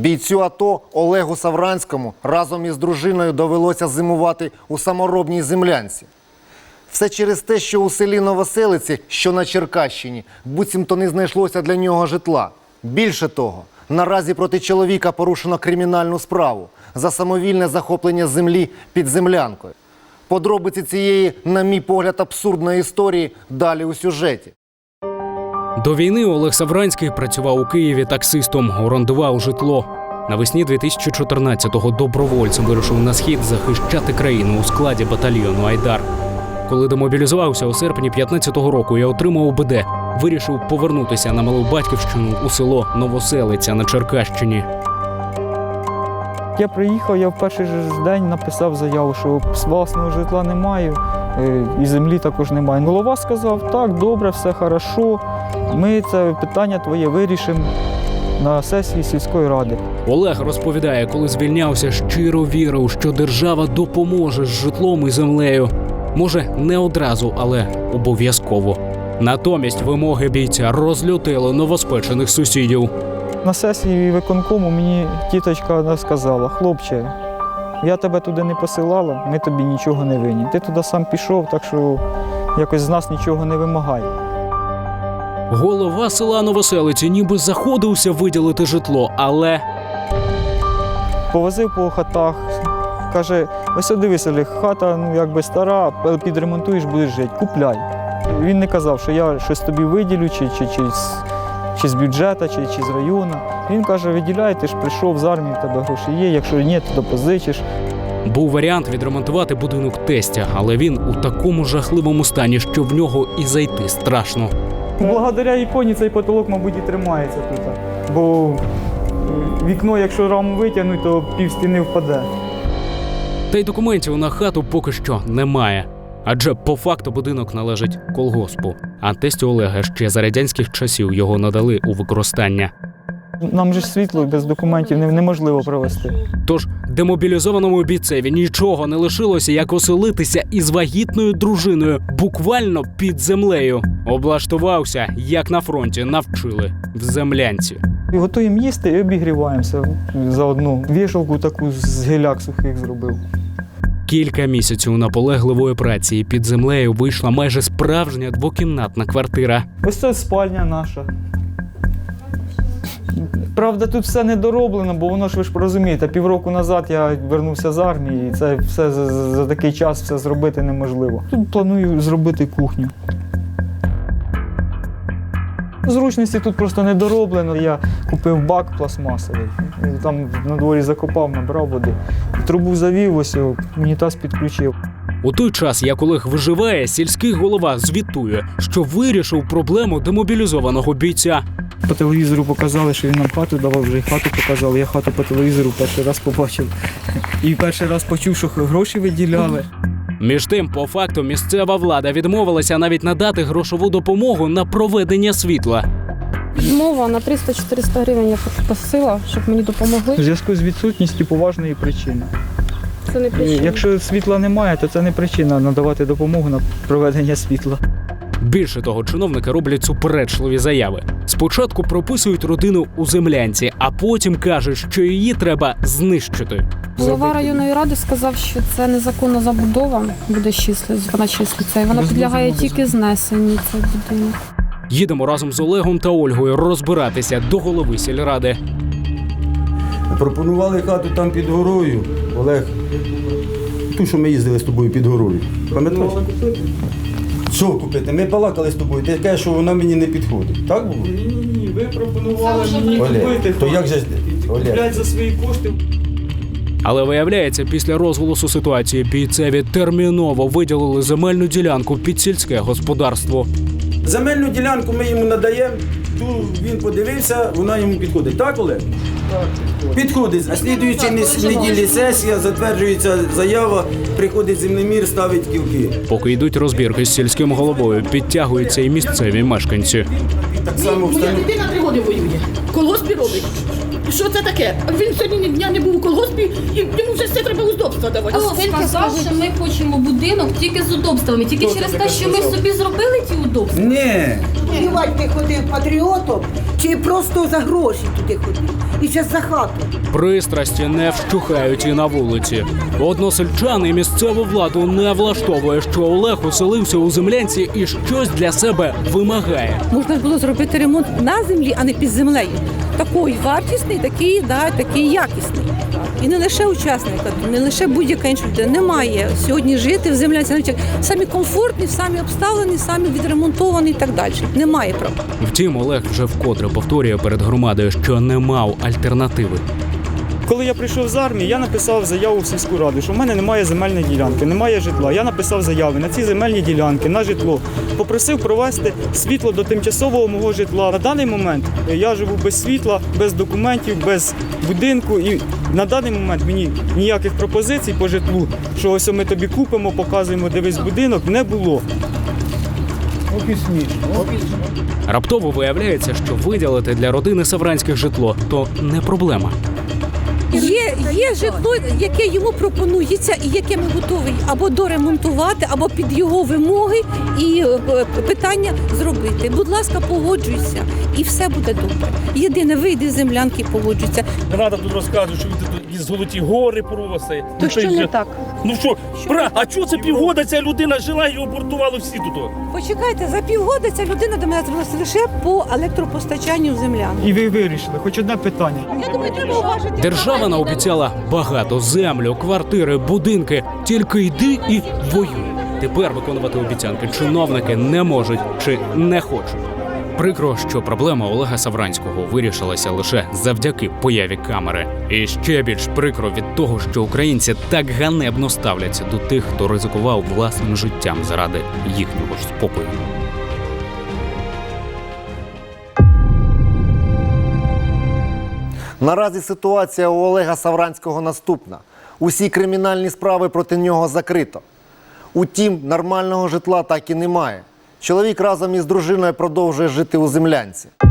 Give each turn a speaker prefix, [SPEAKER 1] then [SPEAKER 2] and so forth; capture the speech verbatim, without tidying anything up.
[SPEAKER 1] Бійцю АТО Олегу Савранському разом із дружиною довелося зимувати у саморобній землянці. Все через те, що у селі Новоселиці, що на Черкащині, буцімто не знайшлося для нього житла. Більше того, наразі проти чоловіка порушено кримінальну справу за самовільне захоплення землі під землянкою. Подробиці цієї, на мій погляд, абсурдної історії далі у сюжеті.
[SPEAKER 2] До війни Олег Савранський працював у Києві таксистом, орендував житло. Навесні дві тисячі чотирнадцятого добровольцем вирушив на схід захищати країну у складі батальйону «Айдар». Коли демобілізувався у серпні п'ятнадцятого року і отримав УБД, вирішив повернутися на малу батьківщину у село Новоселиця на Черкащині.
[SPEAKER 3] Я приїхав, я в перший же день написав заяву, що власного житла не маю і землі також немає. Голова сказав, так, добре, все хорошо, ми це питання твоє вирішимо на сесії сільської ради.
[SPEAKER 2] Олег розповідає, коли звільнявся, щиро вірив, що держава допоможе з житлом і землею. Може, не одразу, але обов'язково. Натомість вимоги бійця розлютили новоспечених сусідів.
[SPEAKER 3] На сесії виконкому мені тіточка сказала, хлопче, я тебе туди не посилала, ми тобі нічого не винні. Ти туди сам пішов, так що якось з нас нічого не вимагай.
[SPEAKER 2] Голова села Новоселиці ніби заходився виділити житло, але...
[SPEAKER 3] Повозив по хатах, каже, ось дивися, Олег, хата ну, якби стара, підремонтуєш, будеш жити, купляй. Він не казав, що я щось тобі виділю, чи, чи, чи, чи з бюджету, чи, чи з району. Він каже, виділяй, ти ж прийшов з армії, в тебе гроші є, якщо ні, то позичиш.
[SPEAKER 2] Був варіант відремонтувати будинок тестя, але він у такому жахливому стані, що в нього і зайти страшно.
[SPEAKER 3] Благодаря іконі цей потолок, мабуть, і тримається тут. Бо вікно, якщо раму витягнуть, то пів стіни впаде.
[SPEAKER 2] Та й документів на хату поки що немає. Адже по факту будинок належить колгоспу. А тестю Олега ще за радянських часів його надали у використання.
[SPEAKER 3] Нам же світло без документів неможливо провести.
[SPEAKER 2] Тож демобілізованому бійцеві нічого не лишилося, як оселитися із вагітною дружиною буквально під землею. Облаштувався, як на фронті навчили, в землянці.
[SPEAKER 3] І готуємо їсти і обігріваємося заодно. Вішалку таку з гіляк сухих зробив.
[SPEAKER 2] Кілька місяців наполегливої праці і під землею вийшла майже справжня двокімнатна квартира.
[SPEAKER 3] Ось це спальня наша. Правда, тут все недороблено, бо воно ж, ви ж розумієте, півроку назад я вернувся з армії, і це все за, за такий час все зробити неможливо. Тут планую зробити кухню. Зручності тут просто недороблено. Я купив бак пластмасовий, там на дворі закопав, набрав води. Трубу завів, ось унітаз підключив.
[SPEAKER 2] У той час, як Олег виживає, сільський голова звітує, що вирішив проблему демобілізованого бійця.
[SPEAKER 3] По телевізору показали, що він нам хату давав, вже й хату показали. Я хату по телевізору перший раз побачив. І перший раз почув, що гроші виділяли.
[SPEAKER 2] Між тим, по факту, місцева влада відмовилася навіть надати грошову допомогу на проведення світла.
[SPEAKER 4] Відмова на триста-чотириста гривень я попросила, щоб мені допомогли.
[SPEAKER 3] У зв'язку з відсутністю поважної причини.
[SPEAKER 4] Це не причина.
[SPEAKER 3] Якщо світла немає, то це не причина надавати допомогу на проведення світла.
[SPEAKER 2] Більше того, чиновники роблять суперечливі заяви. Спочатку прописують родину у землянці, а потім кажуть, що її треба знищити.
[SPEAKER 4] Голова районної ради сказав, що це незаконна забудова, буде числитися, вона числиться, і вона підлягає тільки знесенню, цей будинок.
[SPEAKER 2] Їдемо разом з Олегом та Ольгою розбиратися до голови сільради.
[SPEAKER 5] Пропонували хату там під горою, Олег, ту, що ми їздили з тобою під горою. Пам'ятаєш? Що купити? Ми балакали з тобою, ти кажеш, що вона мені не підходить. Так було?
[SPEAKER 3] Ні-ні-ні, ви пропонували мені
[SPEAKER 5] Олег, то як же ж Олег?
[SPEAKER 3] купляти за свої кошти.
[SPEAKER 2] Але виявляється, після розголосу ситуації бійцеві терміново виділили земельну ділянку під сільське господарство.
[SPEAKER 5] Земельну ділянку ми йому надаємо, ту він подивився, вона йому підходить. Так, Олег? Так, підходить. А слідуючій неділі сесія, затверджується заява, приходить землемір, ставить кілки.
[SPEAKER 2] Поки йдуть розбірки з сільським головою, підтягуються і місцеві мешканці.
[SPEAKER 5] Так само
[SPEAKER 6] Моя
[SPEAKER 5] встановлює.
[SPEAKER 6] дитина три роки воює. В колгоспі робить. Що це таке? Він сьогодні ні дня не був у колгоспі, і йому вже все треба удобства давати.
[SPEAKER 7] Хто сказав, що ми хочемо будинок тільки з удобствами, тільки через те, що ми собі зробили ті удобства?
[SPEAKER 5] Ні.
[SPEAKER 8] Воювати ти ходив патріотом, чи просто за гроші туди ходив, і ще за хату.
[SPEAKER 2] Пристрасті не вщухають і на вулиці. Односельчан і місцеву владу не влаштовує, що Олег оселився у землянці і щось для себе вимагає.
[SPEAKER 9] Можна було зробити ремонт на землі, а не під землею. Такий вартісний, такий, да, такий якісний. І не лише учасника, не лише будь-яка інша людина. Немає сьогодні жити в землянці, навіть самі комфортні, самі обставлені, самі відремонтовані і так далі. Немає права.
[SPEAKER 2] Втім, Олег вже вкотре повторює перед громадою, що не мав альтернативи.
[SPEAKER 3] Коли я прийшов з армії, я написав заяву в сільську раду, що в мене немає земельної ділянки, немає житла. Я написав заяви на ці земельні ділянки, на житло. Попросив провести світло до тимчасового мого житла. На даний момент я живу без світла, без документів, без будинку. І на даний момент мені ніяких пропозицій по житлу, що ось ми тобі купимо, показуємо, дивись будинок, не було.
[SPEAKER 2] Раптово виявляється, що виділити для родини Савранських житло – то не проблема.
[SPEAKER 9] Є, є житло, яке йому пропонується і яке ми готові або доремонтувати, або під його вимоги і е, питання зробити. Будь ласка, погоджуйся, і все буде добре. Єдине, вийди з землянки і погоджуйся.
[SPEAKER 10] Не треба тут розказувати, що він тут із золоті гори просить.
[SPEAKER 9] То що не так?
[SPEAKER 10] Ну що, бра, а чого це півгода ця людина жила і обортували всі тут?
[SPEAKER 9] Почекайте, за півгода ця людина до мене звернулася лише по електропостачанню в землянку.
[SPEAKER 3] І ви вирішили, хоч одне питання.
[SPEAKER 9] Я думаю, треба уважити.
[SPEAKER 2] Держава наобіцяла багато: землю, квартири, будинки. Тільки йди і воюй. Тепер виконувати обіцянки чиновники не можуть чи не хочуть. Прикро, що проблема Олега Савранського вирішилася лише завдяки появі камери. І ще більш прикро від того, що українці так ганебно ставляться до тих, хто ризикував власним життям заради їхнього ж спокою.
[SPEAKER 1] Наразі ситуація у Олега Савранського наступна. Усі кримінальні справи проти нього закрито. Утім, нормального житла так і немає. Чоловік разом із дружиною продовжує жити у землянці.